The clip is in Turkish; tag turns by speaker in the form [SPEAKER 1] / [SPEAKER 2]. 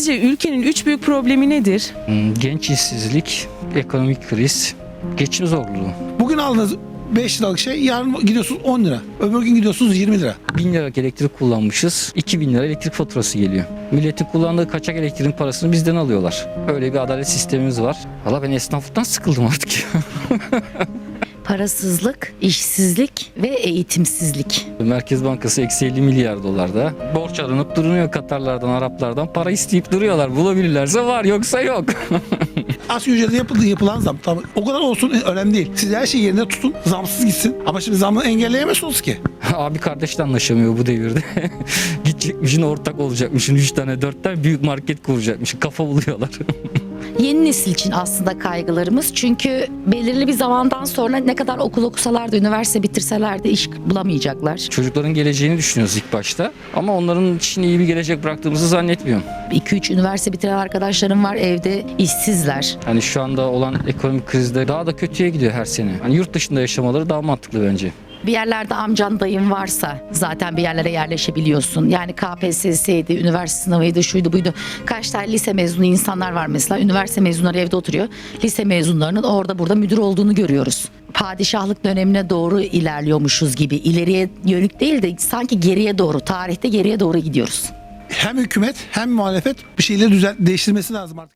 [SPEAKER 1] Sizce ülkenin 3 büyük problemi nedir?
[SPEAKER 2] Genç işsizlik, ekonomik kriz, geçim zorluğu.
[SPEAKER 3] Bugün aldığınız 5 liralık şey yarın gidiyorsunuz 10 lira. Öbür gün gidiyorsunuz 20 lira.
[SPEAKER 2] 1000 liralık elektrik kullanmışız, 2000 lira elektrik faturası geliyor. Milletin kullandığı kaçak elektriğin parasını bizden alıyorlar. Öyle bir adalet sistemimiz var. Valla ben esnaflıktan sıkıldım artık.
[SPEAKER 4] Parasızlık, işsizlik ve eğitimsizlik.
[SPEAKER 2] Merkez Bankası eksi 50 milyar dolarda. Borç alınıp duruyor Katarlardan, Araplardan. Para isteyip duruyorlar. Bulabilirlerse var, yoksa yok.
[SPEAKER 3] Asgari ücrete yapılan zam. Tamam. O kadar olsun önemli değil. Siz her şeyi yerine tutun. Zamsız gitsin. Ama şimdi zamı engelleyemezsiniz ki.
[SPEAKER 2] Abi kardeş de anlaşamıyor bu devirde. Gidecekmişin, ortak olacakmışın. 3 tane 4 tane büyük market kuracakmışın. Kafa buluyorlar.
[SPEAKER 4] Yeni nesil için aslında kaygılarımız, çünkü belirli bir zamandan sonra ne kadar okul okusalar da, üniversite bitirseler de iş bulamayacaklar.
[SPEAKER 2] Çocukların geleceğini düşünüyoruz ilk başta. Ama onların için iyi bir gelecek bıraktığımızı zannetmiyorum.
[SPEAKER 4] 2-3 üniversite bitiren arkadaşlarım var, evde işsizler.
[SPEAKER 2] Hani şu anda olan ekonomik krizde daha da kötüye gidiyor her sene. Hani yurt dışında yaşamaları daha mantıklı bence.
[SPEAKER 4] Bir yerlerde amcan dayın varsa zaten bir yerlere yerleşebiliyorsun. Yani KPSS'ydi, üniversite sınavıydı, şuydu buydu. Kaç tane lise mezunu insanlar var mesela. Üniversite mezunları evde oturuyor. Lise mezunlarının orada burada müdür olduğunu görüyoruz. Padişahlık dönemine doğru ilerliyormuşuz gibi. İleriye yönük değil de sanki geriye doğru, tarihte geriye doğru gidiyoruz.
[SPEAKER 3] Hem hükümet hem muhalefet bir şeyleri değiştirmesi lazım artık.